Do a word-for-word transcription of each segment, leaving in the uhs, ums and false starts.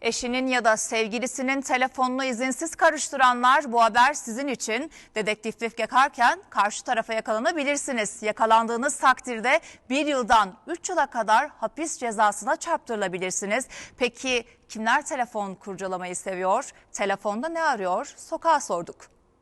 Eşinin ya da sevgilisinin telefonunu izinsiz karıştıranlar, bu haber sizin için. Dedektiflik yaparken karşı tarafa yakalanabilirsiniz. Yakalandığınız takdirde bir yıldan üç yıla kadar hapis cezasına çarptırılabilirsiniz. Peki kimler telefon kurcalamayı seviyor? Telefonda ne arıyor? Sokağa sorduk.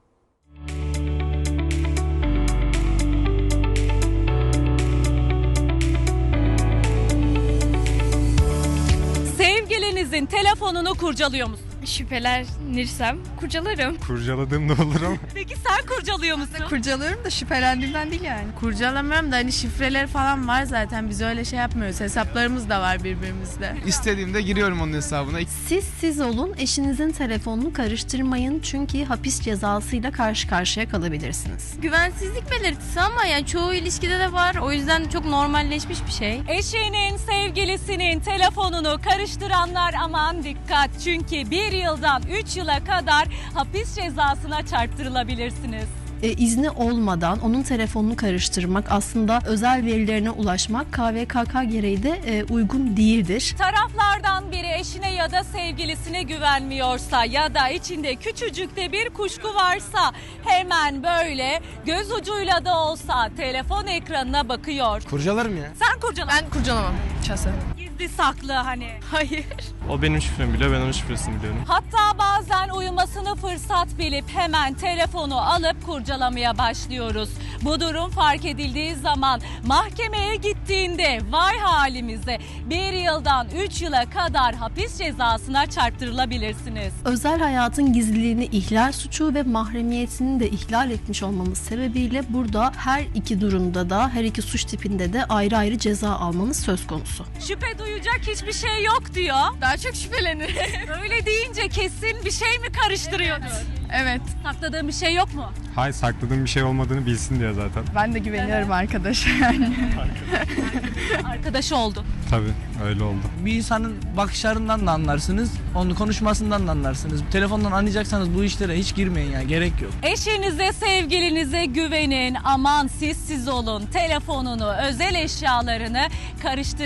Sevgilinizin telefonunu kurcalıyor musun? Şüphelenirsem kurcalarım. Kurcaladığım da olur ama. Peki sen kurcalıyor musun? Kurcalıyorum da şüphelendiğimden değil yani. Kurcalamıyorum da hani şifreleri falan var zaten, biz öyle şey yapmıyoruz. Hesaplarımız da var birbirimizde. İstediğimde giriyorum onun hesabına. Siz siz olun, eşinizin telefonunu karıştırmayın çünkü hapis cezasıyla karşı karşıya kalabilirsiniz. Güvensizlik belirtisi ama yani çoğu ilişkide de var. O yüzden çok normalleşmiş bir şey. Eşinin, sevgilisinin telefonunu karıştıranlar aman dikkat. Çünkü bir yıldan üç yıla kadar hapis cezasına çarptırılabilirsiniz. E, izni olmadan onun telefonunu karıştırmak, aslında özel verilerine ulaşmak K V K K gereği de e, uygun değildir. Taraflardan biri eşine ya da sevgilisine güvenmiyorsa ya da içinde küçücük de bir kuşku varsa hemen böyle göz ucuyla da olsa telefon ekranına bakıyor. Kurcalarım ya. Sen kurcala. Ben kurcalamam şahsen. Gizli saklı hani. Hayır. O benim şifremi biliyor, ben onun şifresini biliyorum. Hatta bazen uyumasını fırsat bilip hemen telefonu alıp kurcalamaya başlıyoruz. Bu durum fark edildiği zaman mahkemeye gittiğinde vay halimize bir yıldan üç yıla kadar hapis cezasına çarptırılabilirsiniz. Özel hayatın gizliliğini ihlal suçu ve mahremiyetini de ihlal etmiş olmamız sebebiyle burada her iki durumda da, her iki suç tipinde de ayrı ayrı ceza almamız söz konusu. Şüphe duyacak hiçbir şey yok diyor. Daha çok şüphelenir. Öyle deyince kesin bir şey mi karıştırıyordur? Evet. Sakladığın bir şey yok mu? Hayır, sakladığım bir şey olmadığını bilsin diye zaten. Ben de güveniyorum arkadaşa yani. Arkadaşı oldu. Tabii öyle oldu. Bir insanın bakışlarından da anlarsınız, onun konuşmasından da anlarsınız. Telefondan anlayacaksanız bu işlere hiç girmeyin ya, gerek yok. Eşinize, sevgilinize güvenin. Aman siz siz olun. Telefonunu, özel eşyalarını karıştırmayın.